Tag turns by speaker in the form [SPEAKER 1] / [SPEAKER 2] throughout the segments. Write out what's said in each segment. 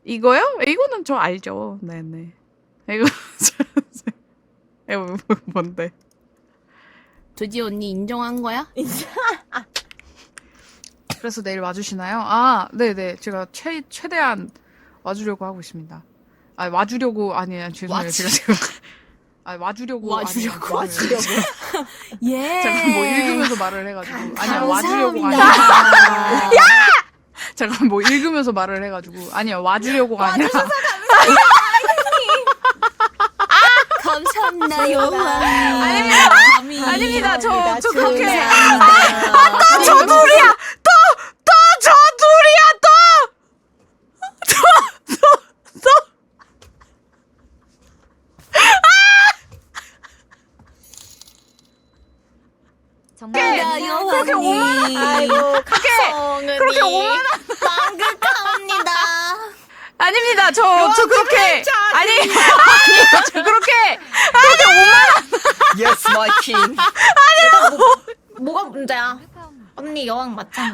[SPEAKER 1] 이거요? 이거는 저 알죠. 네네. 이거 이거 뭔데?
[SPEAKER 2] 드디어 언니 인정한 거야?
[SPEAKER 1] 그래서 내일 와주시나요? 아, 네네. 제가 최대한 와주려고 하고 있습니다. 아, 와주려고 아니 죄송해요. 제가 지금 와주려고
[SPEAKER 2] 예.
[SPEAKER 1] 제가 뭐 읽으면서 말을 해가지고 아니야 와주려고
[SPEAKER 2] 감사합니다.
[SPEAKER 1] 아니야. 제가 뭐 읽으면서 말을 해가지고 아니야 와주려고가 아니라.
[SPEAKER 2] 감사합니다 여왕님.
[SPEAKER 1] 아닙니다. 저 그렇게
[SPEAKER 2] 감사합니다.
[SPEAKER 1] 저 둘이야. 또 저 둘이야 또.
[SPEAKER 2] 정말
[SPEAKER 1] 그렇게
[SPEAKER 2] 여왕님.
[SPEAKER 3] 아이고
[SPEAKER 1] 그렇게 오만한
[SPEAKER 2] 망극합니다.
[SPEAKER 1] 아닙니다. 저 그렇게 아니 저 그렇게
[SPEAKER 3] Yes, my king.
[SPEAKER 2] 뭐가 문제야? 언니 여왕 맞잖아.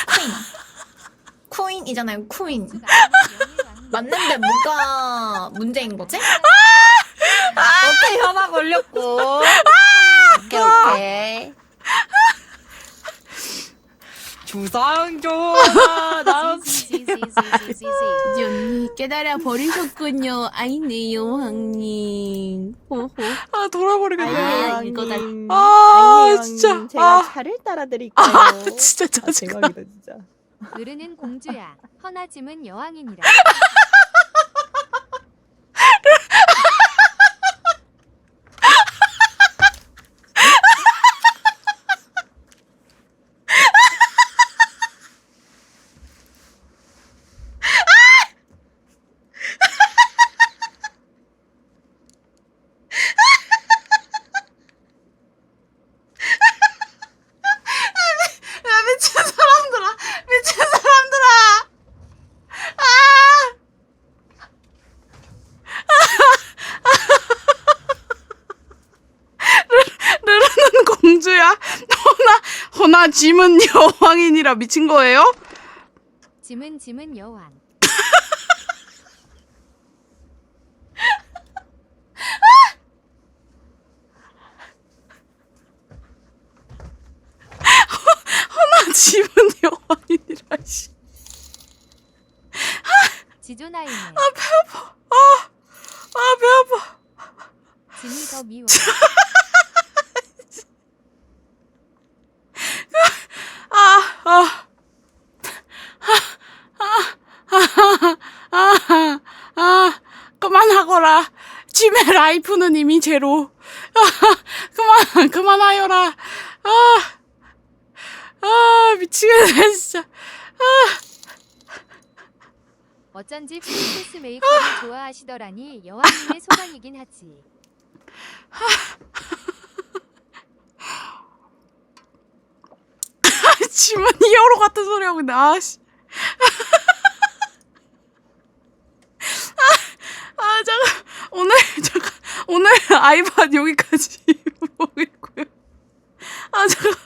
[SPEAKER 2] 쿠인이잖아요. 쿠인. 맞는데 뭐가 문제인 거지?
[SPEAKER 3] 오케이, 혐오 걸렸고. 오케이. 주상조나
[SPEAKER 2] 언니 깨달아 버리셨군요. 아이네 여왕님. 호호.
[SPEAKER 1] 아 돌아버리겠네.
[SPEAKER 2] 아, 이거다.
[SPEAKER 1] 아 진짜
[SPEAKER 3] 제가 차를 따라드릴게요.
[SPEAKER 1] 진짜 짜증나.
[SPEAKER 3] 대박이다 진짜.
[SPEAKER 4] 으르는 공주야, 허나짐은 여왕이니라.
[SPEAKER 1] 야 미친 사람들아 미친 사람들아 르르는 공주야 허나 짐은 여왕이니라 미친 거예요?
[SPEAKER 4] 짐은 여왕.
[SPEAKER 1] 허나 짐은 여왕이니라 씨.
[SPEAKER 4] 지조나이네.
[SPEAKER 1] 아 배 아파.
[SPEAKER 4] 짐이 더 미워.
[SPEAKER 1] 그만하거라. 짐의 라이프는 이미 제로. 그만하여라. 미치겠네 진짜.
[SPEAKER 4] 어쩐지 프린세스 메이커를 좋아하시더라니 여왕님의 소망이긴 하지.
[SPEAKER 1] 짐은 히어로 같은 소리 하고 있네. 아씨. 잠깐 오늘 아이팟 여기까지 보고 있고요. 잠깐